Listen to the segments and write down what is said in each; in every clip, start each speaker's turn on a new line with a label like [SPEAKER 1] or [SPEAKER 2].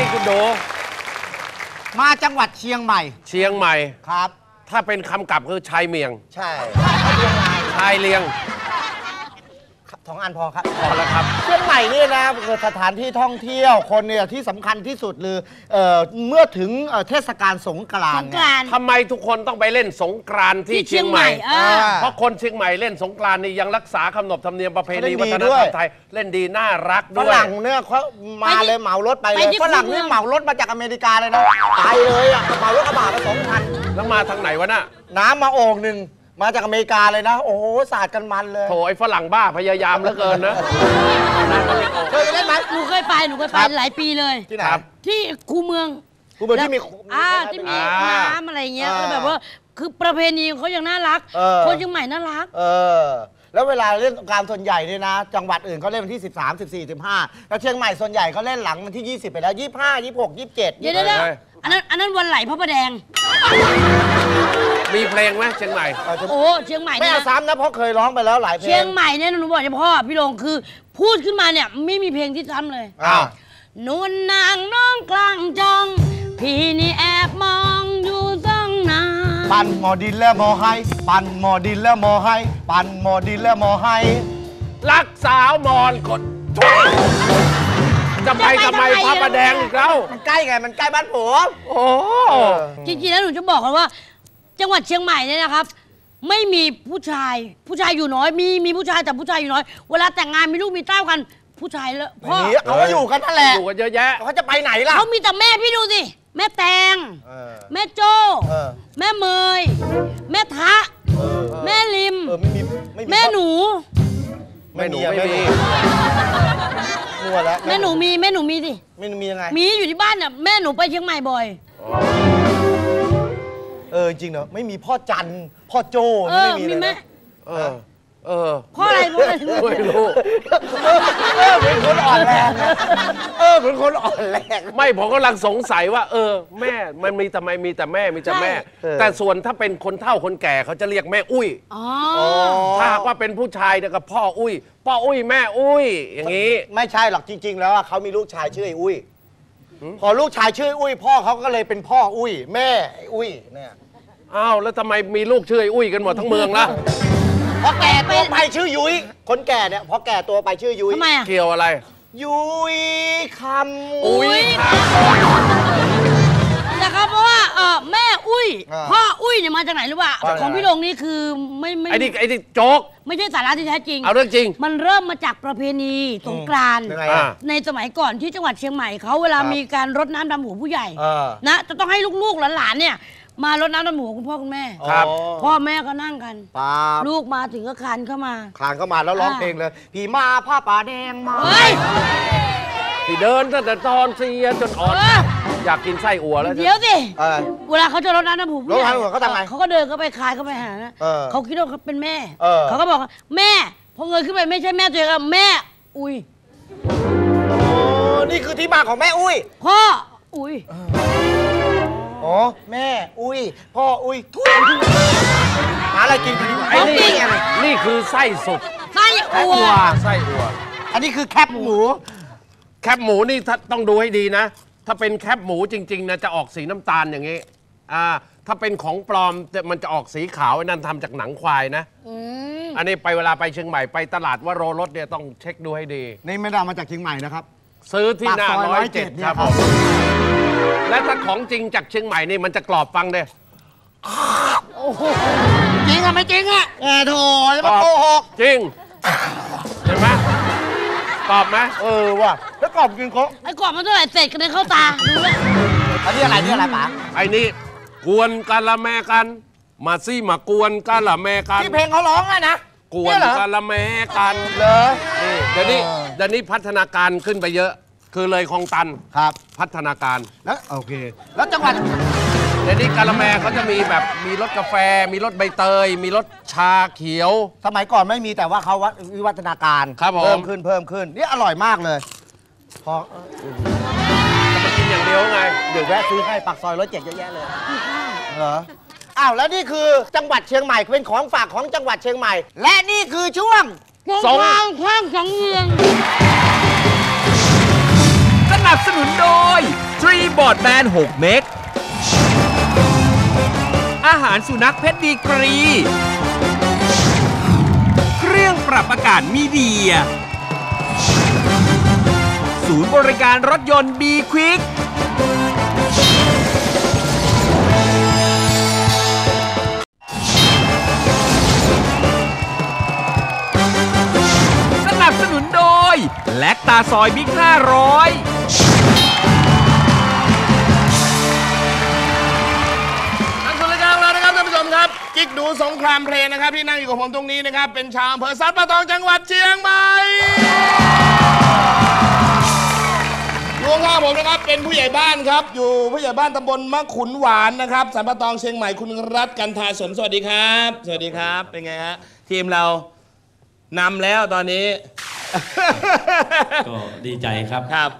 [SPEAKER 1] คุณโด
[SPEAKER 2] มาจังหวัดเชียงใหม่
[SPEAKER 1] เชียงใหม่
[SPEAKER 2] ครับ
[SPEAKER 1] ถ้าเป็นคำกลับคือชายเมียง
[SPEAKER 2] ใช่
[SPEAKER 1] ชายเลียง
[SPEAKER 2] 2 อันพอครับ
[SPEAKER 1] พอแล้วครับ
[SPEAKER 2] เชียงใหม่นี่นะสถานที่ท่องเที่ยวคนเนี่ยที่สำคัญที่สุดเลยเมื่อถึงเทศกาลสงกรานต์
[SPEAKER 1] ทำไมทุกคนต้องไปเล่นสงกรานต์ที่เชียงใหม่เพราะคนเชียงใหม่เล่นสงกรานต์นี่ยังรักษาขนบธรรมเนียมประเพณีวัฒนธรรมไทยเล่นดีน่ารักด้วย
[SPEAKER 2] ฝรั่งเนี่ยเขามาเลยเหมารถไปเลยฝรั่งนี่เหมารถมาจากอเมริกาเลยนะไปเลยอ่ะเหมารถกระบะไป2,000
[SPEAKER 1] แล้วมาทางไหนวะน่ะ
[SPEAKER 2] น้ำมาโอ่งหนึ่งมาจากอเมริกาเลยนะโอ้โหสาดกันมันเลย
[SPEAKER 1] โถไอ้ฝรั่งบ้าพยายามเหลือเกินนะ
[SPEAKER 2] เคยไปเล่นไหม
[SPEAKER 3] หนูเคยไปหลายปีเลย
[SPEAKER 2] ที่ไหน
[SPEAKER 3] ที่คูเมือง
[SPEAKER 2] ที่มี
[SPEAKER 3] ที่มีน้ำอะไรเงี้ยแบบว่าคือประเพณีเขายังน่ารักคนเชียงใหม่น่ารัก
[SPEAKER 2] แล้วเวลาเล่นการส่วนใหญ่เนี่ยนะจังหวัดอื่นเขาเล่นวันที่13 14 15แล้วเชียงใหม่ส่วนใหญ่เขาเล่นหลังวันที่20ไปแล้ว25 26 27เ
[SPEAKER 3] ดี๋ยวอันนั้นวันไหลพระประแดง
[SPEAKER 1] มีเพลงไหมเชียงใหม่
[SPEAKER 3] โอ้เชียงใหม่
[SPEAKER 2] ไม่เอาซ้ำนะเพราะเคยร้องไปแล้วหลายเพลง
[SPEAKER 3] เชียงใหม่เนี่ยหนูบอกเฉพาะพี่ลงคือพูดขึ้นมาเนี่ยไม่มีเพลงที่ซ้ำเลยนุ่นนางน้องกลางจองพี่นี่แอบมองอยู่ตั้งนาน
[SPEAKER 2] ปั่นหมอดินแล้วหมอให้ปั่นหมอดินแล้วหมอให้ปั่นหมอดินแล้วหมอให้
[SPEAKER 1] รักสาวมอนกดจะไปทำไมพระประแดงอีกแล้ว
[SPEAKER 2] มันใกล้ไงมันใกล้บ้านผม
[SPEAKER 1] โอ้
[SPEAKER 3] จริงๆแล้วหนูจะบอกกันว่าจังหวัดเชียงใหม่เนี่ยนะครับไม่มีผู้ชายอยู่น้อยมีผู้ชายแต่ผู้ชายอยู่น้อยเวลาแต่งงานมีลูกมีเต้ากันผู้ชายแล้วพ่อ
[SPEAKER 2] เขาก็อยู่กันนั่นแหละ
[SPEAKER 1] อยู่กันเยอะแยะ
[SPEAKER 2] เขาจะไปไหนล่ะ
[SPEAKER 3] เขามีแต่แม่พี่ดูสิแม่แตงแม่โจ้แม่เมยแม่ทะแม่ลิมแม่หนู
[SPEAKER 1] ไม่มี
[SPEAKER 2] มัวแล้ว
[SPEAKER 3] แม่หนูมีสิ
[SPEAKER 2] แม่หนูมียังไง
[SPEAKER 3] มีอยู่ที่บ้านน่ะแม่หนูไปเชียงใหม่บ่อย
[SPEAKER 2] จริงเนอะไม่มีพ่อจันพ่อโจ้ไม่มีเลย
[SPEAKER 3] พ่ออะไร
[SPEAKER 1] ไม่รู้
[SPEAKER 2] เป็นคนอ่อนแรงเป็นคนอ่อนแรง
[SPEAKER 1] ไม่ผมกำลังสงสัยว่าแม่มันมีแต่มีแต่แม่แต่ส่วนถ้าเป็นคนเฒ่าคนแก่เขาจะเรียกแม่อุ้ยถ้าหากว่าเป็นผู้ชายเนี่ยก็พ่ออุ้ยแม่อุ้ยอย่างนี้
[SPEAKER 2] ไม่ใช่หรอกจริงๆแล้วเขามีลูกชายชื่อไอ้อุ้ยพอลูกชายชื่ออุ้ยพ่อเขาก็เลยเป็นพ่ออุ้ยแม่อุ้ยเนี่ย
[SPEAKER 1] อ้าวแล้วทำไมมีลูกชื่อไอ้อุ้ยกันหมดทั้งเมืองล่ะ
[SPEAKER 2] พอแก่ตัวไปชื่อยุ้ยคนแก่เนี่ยพอแก่ตัวไปชื่อยุ้ย
[SPEAKER 3] ทำไม
[SPEAKER 1] เกี่ยวอะไร
[SPEAKER 2] ยุ้ยคำ
[SPEAKER 1] อุ้ย
[SPEAKER 3] นะครับเพราะว่าแม่อุ้ยพ่ออุ้ยเนี่ยมาจากไหนรู้ป่ะของพี่ลงนี่คือไม่
[SPEAKER 1] ไอ้นี่โจ๊ก
[SPEAKER 3] ไม่ใช่สาระที่แท้จริง
[SPEAKER 1] เอาเรื่องจริง
[SPEAKER 3] มันเริ่มมาจากประเพณีสงกรานต์ในสมัยก่อนที่จังหวัดเชียงใหม่เขาเวลามีการรดน้ำดำหัวผู้ใหญ่นะจะต้องให้ลูกๆหลานๆเนี่ยมารดน้ำดำหัวคุณพ่อคุณแม่พ่อแม่ก็นั่งกันลูกมาถึงก็คลานเข้ามา
[SPEAKER 2] แล้วร้องเพลงเลยพี่มาผ้าป่าแดงมา
[SPEAKER 1] ที่เดินตั้งแต่ตอนเสียจนอ่อนอยากกินไส้อั่วแล้ว
[SPEAKER 3] เดี๋ยวสิเวลาเขาจะรดน้ำดำหัวผู้ใหญ่
[SPEAKER 2] เขาทำไง
[SPEAKER 3] เขาก็เดินเข้าไปคลานเข้าไปหาเขาคิดว่าเขาเป็นแม่เขาก็บอกแม่พอเงยขึ้นไปไม่ใช่แม่ตัวเองแม่อุ้ย
[SPEAKER 2] นี่คือที่มาของแม่อุ้ย
[SPEAKER 3] พ่ออุ้ย
[SPEAKER 2] แม่อุ้ยพ่ออุ้ยทุยหาอะไรกินกัน
[SPEAKER 1] ไอ้นี่คือไส้สุก
[SPEAKER 3] ไส้อั่ว
[SPEAKER 2] อันนี้คือแคบหมู
[SPEAKER 1] นี่ต้องดูให้ดีนะถ้าเป็นแคบหมูจริงๆนะจะออกสีน้ำตาลอย่างนี้ถ้าเป็นของปลอมมันจะออกสีขาวนั่นทำจากหนังควายนะอันนี้เวลาไปเชียงใหม่ไปตลาดว่าโรรสเนี่ยต้องเช็คดูให้ดี
[SPEAKER 2] นี่ไม่ได้มาจากเชียงใหม่นะครับ
[SPEAKER 1] ซื้อที่หน้า107ครับและถ้าของจริงจากเชียงใหม่นี่มันจะกรอบฟังเลย
[SPEAKER 2] จริงอะไม่จริงอะโถจะมาโกหก
[SPEAKER 1] จริงเห็นไหมกรอบไหม
[SPEAKER 2] ว่ะแล้วกรอบจริงเขา
[SPEAKER 3] ไอ้กรอบมันเท่าไหร่เศษกันเลยเข้าตาดูเลย
[SPEAKER 2] อันนี้อะไรป๋า
[SPEAKER 1] ไอ้นี่กวนกันละแม่กันมาซี่มากวนกันละแม่กัน
[SPEAKER 2] ที่เพลงเขาร้องอะนะ
[SPEAKER 1] กวนกันละแม่กัน
[SPEAKER 2] เหรอ
[SPEAKER 1] นี่เดี๋ยวนี้พัฒนาการขึ้นไปเยอะคือเลยคลองตัน
[SPEAKER 2] ครับ
[SPEAKER 1] พัฒนาการ
[SPEAKER 2] แล้วโอเคแล้วจังหวัด
[SPEAKER 1] เดี๋ยวนี้กาละแมเขาจะมีแบบมีรสกาแฟมีรสใบเตยมีรสชาเขียว
[SPEAKER 2] สมัยก่อนไม่มีแต่ว่าเขาวิวัฒนาการ
[SPEAKER 1] เพิ่
[SPEAKER 2] มขึ้นนี่อร่อยมากเลยพอ
[SPEAKER 1] จะมากินอย่างเดียวไง
[SPEAKER 2] เดี๋ยวแวะซื้อให้ปากซอย107เยอะแยะเลยเหรออ้าวแล้วนี่คือจังหวัดเชียงใหม่เป็นของฝากของจังหวัดเชียงใหม่และนี่คือช่วง
[SPEAKER 3] สงข้างสังเวียน
[SPEAKER 4] สนับสนุนโดยทบอร์ดแบน6 เมกอาหารสุนัขเพชรดีกรี เครื่องปรับอากาศมีเดีย ศูนย์บริการรถยนต์บีควิกสนับสนุนโดยแลคตาซอยบิ๊ก500
[SPEAKER 5] ครับกิ๊กดูสงครามเพลงนะครับที่นั่งอยู่กับผมตรงนี้นะครับเป็นชาวอำเภอสันป่าตองจังหวัดเชียงใหม่อยู่ข้างผมนะครับเป็นผู้ใหญ่บ้านครับอยู่ผู้ใหญ่บ้านตำบลมะขุนหวานนะครับสันป่าตองเชียงใหม่คุณรัตน์กันทาสนสวัสดีครับสวัสดีครับเป็นไงฮะทีมเรานำแล้วตอนนี้
[SPEAKER 6] ก็ดีใจครับ
[SPEAKER 5] ครับ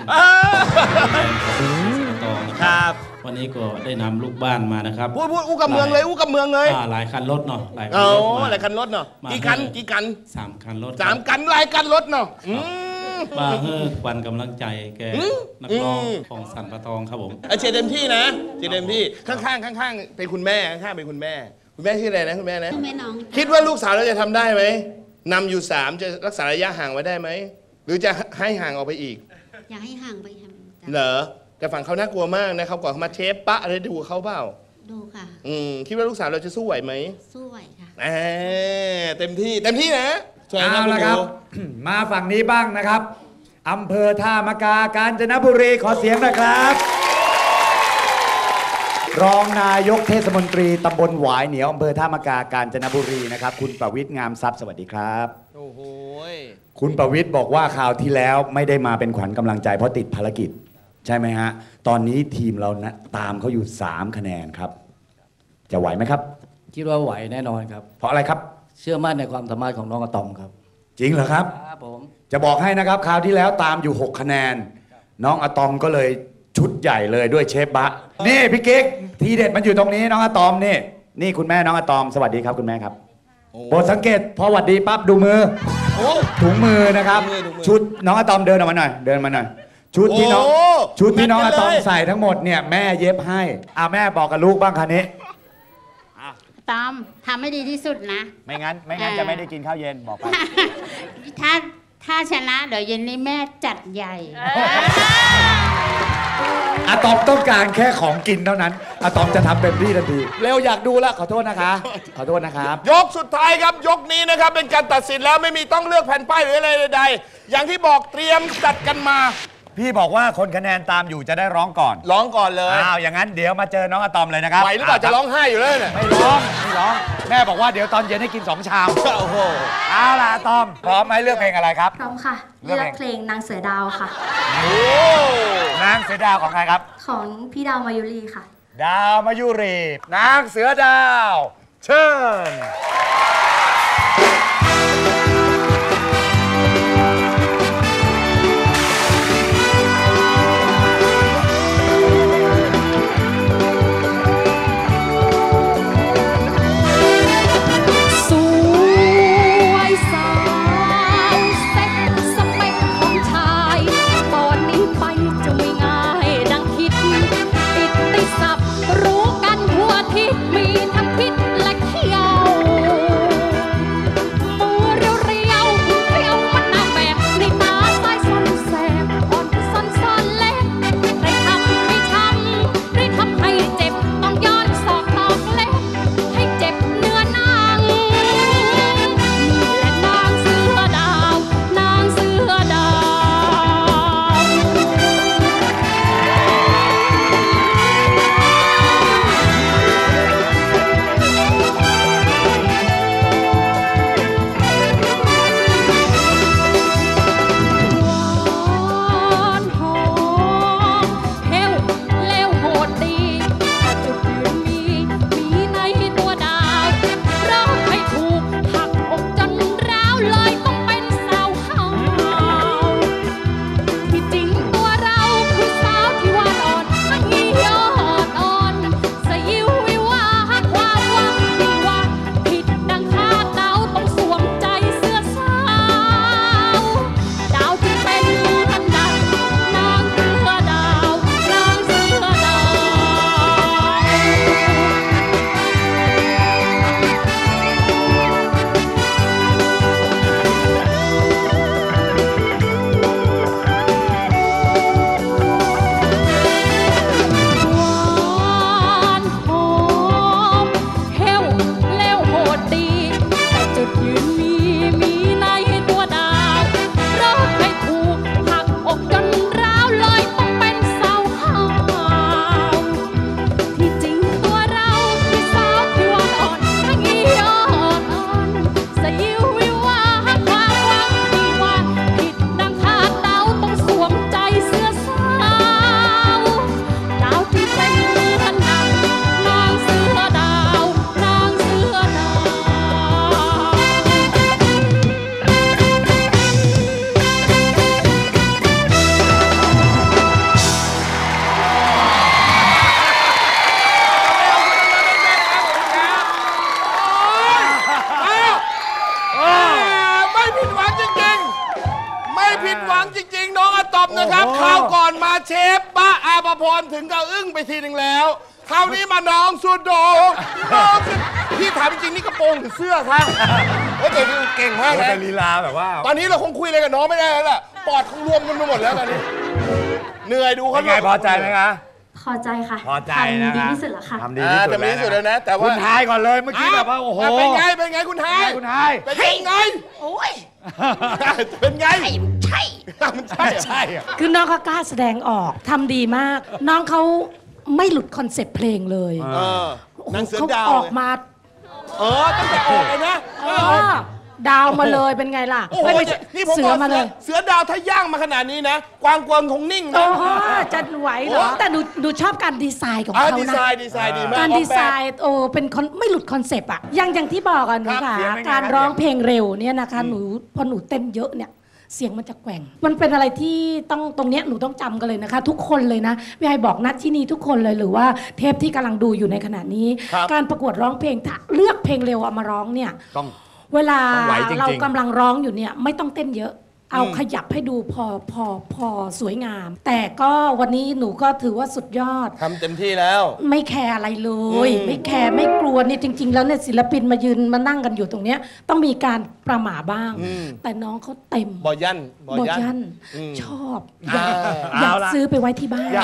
[SPEAKER 6] ครับวันนี้ก็ได้นำลูกบ้านมานะครับ
[SPEAKER 5] พูดอู้กับเมืองเลยอู้กับเมืองเลย
[SPEAKER 6] หลายคันรถเนาะหลายคัน
[SPEAKER 5] โอ้
[SPEAKER 6] รถมา
[SPEAKER 5] หลายคันรถเนาะกี่คัน
[SPEAKER 6] 3 คันรถ
[SPEAKER 5] 3 คันหลายคันรถเนาะ
[SPEAKER 6] มาเพื่อควันกำลังใจแกนักร้องของสันป่าตองครับผม
[SPEAKER 5] เชียร์เต็มที่นะเชียร์เต็มที่ข้างๆเป็นคุณแม่ข้างๆเป็นคุณแม่ชื่ออะไรนะคุณแม่นะ
[SPEAKER 7] แม่น้อง
[SPEAKER 5] คิดว่าลูกสาวเราจะทำได้ไหมนำอยู่3จะรักษาระยะห่างไว้ได้ไหมหรือจะให้ห่างออกไปอีก
[SPEAKER 7] อยากให้ห่างไป
[SPEAKER 5] เหรอแต่ฝั่งเขาน่ากลัวมากนะเขาก่อนเขามาเชฟปะอะไรดูเขาเปล่า
[SPEAKER 7] ดูค่ะ
[SPEAKER 5] คิดว่าลูกสาวเราจะสู้ไหวไหม
[SPEAKER 7] สู้ไหวค่ะ
[SPEAKER 5] เต็มที่นะ
[SPEAKER 8] เอาละครับ มาฝั่งนี้บ้างนะครับอำเภอท่ามะกากาญจนบุรีขอเสียงนะครับ รองนายกเทศมนตรีตำบลหวายเหนียวอำเภอท่ามะกากาญจนบุรีนะครับคุณประวิตรงามทรัพย์สวัสดีครับ
[SPEAKER 5] โอ้โห
[SPEAKER 8] คุณประวิตรบอกว่าคราวที่แล้วไม่ได้มาเป็นขวัญกำลังใจเพราะติดภารกิจใช่ไหมฮะตอนนี้ทีมเรานะตามเขาอยู่3 คะแนนครับจะไหวไหมครับ
[SPEAKER 9] คิดว่าไหวแน่นอนครับ
[SPEAKER 8] เพราะอะไรครับ
[SPEAKER 9] เชื่อมั่นในความสามารถของน้องอะตอมครับ
[SPEAKER 8] จริงเหรอครับ
[SPEAKER 9] ครับผม
[SPEAKER 8] จะบอกให้นะครับคราวที่แล้วตามอยู่6 คะแนนน้องอะตอมก็เลยชุดใหญ่เลยด้วยเชฟบะนี่พี่กิ๊กทีเด็ดมันอยู่ตรงนี้น้องอะตอมนี่คุณแม่น้องอะตอมสวัสดีครับคุณแม่ครับโปรดสังเกตพอหวัดดีปั๊บดูมือถุงมือนะครับชุดน้องอะตอมเดินออกมาหน่อยชุดที่น้องอะตอมใส่ทั้งหมดเนี่ยแม่เย็บให้แม่บอกกับลูกบ้างคันนี้
[SPEAKER 7] ตอมทำให้ดีที่สุดนะ
[SPEAKER 8] ไม่งั้นจะไม่ได้กินข้าวเย็นบอกไป
[SPEAKER 7] ถ้าชนะเดี๋ยวเย็นนี้แม่จัดใหญ่
[SPEAKER 8] อะตอมต้องการแค่ของกินเท่านั้นอะตอมจะทำเต็มที่ทันทีเร็วอยากดูแล้วขอโทษนะครับ
[SPEAKER 5] ยกสุดท้ายครับยกนี้นะครับเป็นการตัดสินแล้วไม่มีต้องเลือกแผ่นป้ายหรืออะไรใดๆอย่างที่บอกเตรียมจัดกันมา
[SPEAKER 8] พี่บอกว่าคนคะแนนตามอยู่จะได้ร้องก่อน
[SPEAKER 5] เลย
[SPEAKER 8] อย่างนั้นเดี๋ยวมาเจอน้องอะตอมเลยนะครับ
[SPEAKER 5] ไหวหรือเปล่าจะร้องไห้อยู่เลยเนี่ย
[SPEAKER 8] ไม่ร้องแม่บอกว่าเดี๋ยวตอนเย็นให้กิน2 ชาม
[SPEAKER 5] โอ้โห
[SPEAKER 8] เอาล่ะอะตอมพร้อมไหมเลือกเพลงอะไรครับ
[SPEAKER 7] พร้อมค่ะเลือกเพลงนางเสือดาวค่ะ
[SPEAKER 8] โอ้นางเสือดาวของใครครับ
[SPEAKER 7] ของพี่ดาวมายุรีค่ะ
[SPEAKER 8] ดาวมายุรีนางเสือดาวเชิญ
[SPEAKER 5] อะตอมนะครับคราวก่อนมาเชฟป้าอาภพรถึงกับอึ้งไปทีหนึ่งแล้วคราวนี้มาน้องสุดโดน้องพี่ถามจริงๆนี่กระโปรงหรือเสื้อครับโอ้แต่เก่งมากนะลีลาแบบว่าตอนนี้เราคงคุยอะไรกับน้องไม่ได้แล้วล่ะปอดคงรวมกันไปหมดแล้วตอนนี้เหนื่อยดูเขาไงพอใจไหมคะ
[SPEAKER 10] พอใจค่ะ
[SPEAKER 5] พอใจนะ
[SPEAKER 10] ทำดีที่สุดแล้วค่ะ
[SPEAKER 5] ทำดีที่สุดแล้วนะแต่ว่า
[SPEAKER 8] คุณทายก่อนเลยเมื่อกี้แบบว่าโอ้โห
[SPEAKER 5] เป็นไงคุณทายเป็นยังไง
[SPEAKER 3] โอ้ย
[SPEAKER 5] เป็นไง
[SPEAKER 3] ใช่
[SPEAKER 5] มันใช่
[SPEAKER 11] คือน้องเขากล้าแสดงออกทำดีมาก น้องเขาไม่หลุดคอนเซ็ปต์เพลงเลย
[SPEAKER 5] นางเสือดาว
[SPEAKER 11] ออกมา
[SPEAKER 5] ตั้งแต่ออกเลยนะ
[SPEAKER 11] ดาวมาเลยเป็นไงล่ะ
[SPEAKER 5] ไม่นี่ผมบอกมาเลยเสือดาวถ้าย่างมาขนาดนี้นะกวางกวางคงนิ่งนะ
[SPEAKER 11] จะไหวเหรอแต่ดูชอบการดีไซน์ของเขานะ
[SPEAKER 5] ดีไซน์ดีมาก
[SPEAKER 11] การดีไซน์เป็นไม่หลุดคอนเซปต์อะอย่างที่บอกอะหนูค่ะการร้องเพลงเร็วเนี่ยนะคะพอหนูเต้นเยอะเนี่ยเสียงมันจะแกว่งมันเป็นอะไรที่ต้องตรงเนี้ยหนูต้องจำกันเลยนะคะทุกคนเลยนะพี่ไอบอกนัดที่นี่ทุกคนเลยหรือว่าเทปที่กำลังดูอยู่ในขณะนี้การประกวดร้องเพลงถ้าเลือกเพลงเร็วเอามาร้องเนี่ยเวลาเรากำลังร้องอยู่เนี่ยไม่ต้องเต้นเยอะเอาขยับให้ดูพอสวยงามแต่ก็วันนี้หนูก็ถือว่าสุดยอด
[SPEAKER 5] ทำเต็มที่แล้ว
[SPEAKER 11] ไม่แคร์อะไรเลยไม่แคร์ไม่กลัวเนี่ยจริงๆแล้วเนี่ยศิลปินมายืนมานั่งกันอยู่ตรงเนี้ยต้องมีการประหม่าบ้างแต่น้องเขาเต็ม
[SPEAKER 5] บอยัน
[SPEAKER 11] ชอบอยากซื้อไปไว้ที่บ้าน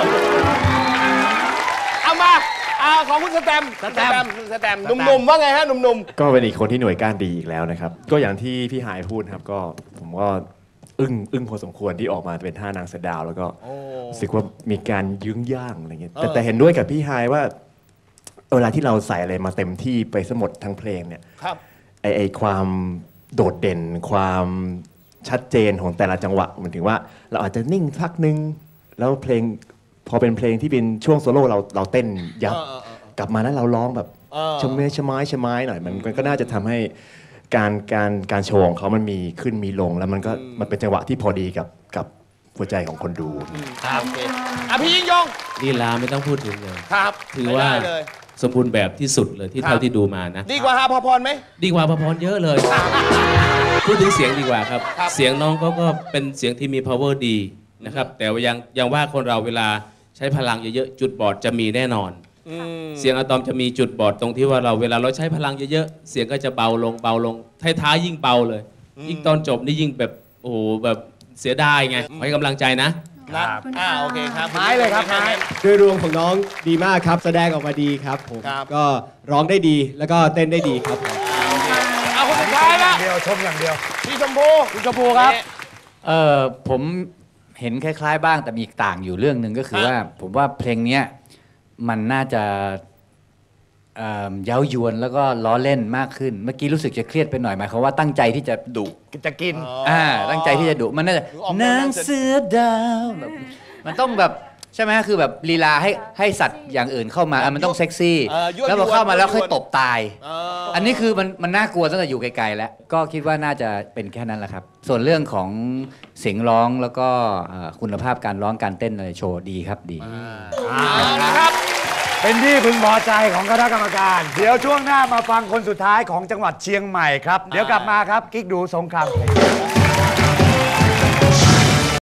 [SPEAKER 5] เอามาของคุณสแตมหนุ่มๆว่าไงฮะหนุ่ม
[SPEAKER 12] ๆก็เป็นอีกคนที่หน่วยก้านดีอีกแล้วนะครับก็อย่างที่พี่หายพูดครับก็ผมก็อึ้งพอสมควรที่ออกมาเป็นท่านางเสือดาวแล้วก็รู้สึกว่ามีการยื้องย่างอะไรเงี้ยแต่เห็นด้วยกับพี่หายว่าเวลาที่เราใส่อะไรมาเต็มที่ไปสมดทั้งเพลงเนี่ยไอความโดดเด่นความชัดเจนของแต่ละจังหวะเหมือนถึงว่าเราอาจจะนิ่งพักนึงแล้วเพลงพอเป็นเพลงที่เป็นช่วงโซโล่เราเต้นยับกลับมาแล้วเราร้องแบบชะไม้หน่อยมันก็น่าจะทำให้การโชว์ของเขามันมีขึ้นมีลงแล้วมันเป็นจังหวะที่พอดีกับหัวใจของคนดู
[SPEAKER 5] ครับโอเคพี่ยิ่งยง
[SPEAKER 6] ลีลาไม่ต้องพูดถึงเลย
[SPEAKER 5] ครับ
[SPEAKER 6] ถือว่าสมบูรณ์แบบที่สุดเลยที่เท่าที่ดูมานะ
[SPEAKER 5] ดีกว่าอาภพรไหม
[SPEAKER 6] ดีกว่าอาภพรเยอะเลยพูดถึงเสียงดีกว่าครับเสียงน้องก็เป็นเสียงที่มี power ดีนะครับแต่ยังว่าคนเราเวลาใช้พลังเยอะๆจุดบอดจะมีแน่นอนเสียงอะตอมจะมีจุดบอดตรงที่ว่าเวลาเราใช้พลังเยอะๆเสียงก็จะเบาลงท้ายๆยิ่งเบาเลยยิ่งตอนจบนี่ยิ่งแบบโอ้โหแบบเสียดายไงให้กำลังใจนะ
[SPEAKER 5] โอเคครับ
[SPEAKER 2] ไม้เลยครับไม้
[SPEAKER 13] โดยรวมของน้องดีมากครับแสดงออกมาดีครับผมก็ร้องได้ดีแล้วก็เต้นได้ดีครับ
[SPEAKER 5] เอาคนสุดท้ายละ
[SPEAKER 8] ชมอย่างเดียว
[SPEAKER 5] พี่ชมพูครับ
[SPEAKER 9] ผมเห็นคล้ายๆบ้างแต่มีต่างอยู่เรื่องหนึ่งก็คือว่าผมว่าเพลงนี้มันน่าจะเย้ายวนแล้วก็ล้อเล่นมากขึ้นเมื่อกี้รู้สึกจะเครียดไปหน่อยหมายความว่าตั้งใจที่จะดุ
[SPEAKER 2] จะกิน
[SPEAKER 9] ตั้งใจที่จะดุมันน่าจะนางเสือดาวมันต้องแบบใช่ไหมคือแบบลีลาให้สัตว์อย่างอื่นเข้ามามันต้องเซ็กซี่แล้วพอเข้ามาแล้วค่อยตบตายอันนี้คือมันน่ากลัวตั้งแต่อยู่ไกลๆแล้วก็คิดว่าน่าจะเป็นแค่นั้นแหละครับส่วนเรื่องของเสียงร้องแล้วก็คุณภาพการร้องการเต้นในโชว์ดีครับดี
[SPEAKER 5] นะครับ
[SPEAKER 8] เป็นที่พึงพอใจของคณะกรรมการเดี๋ยวช่วงหน้ามาฟังคนสุดท้ายของจังหวัดเชียงใหม่ครับเดี๋ยวกลับมาครับกิ๊กดูสงคราม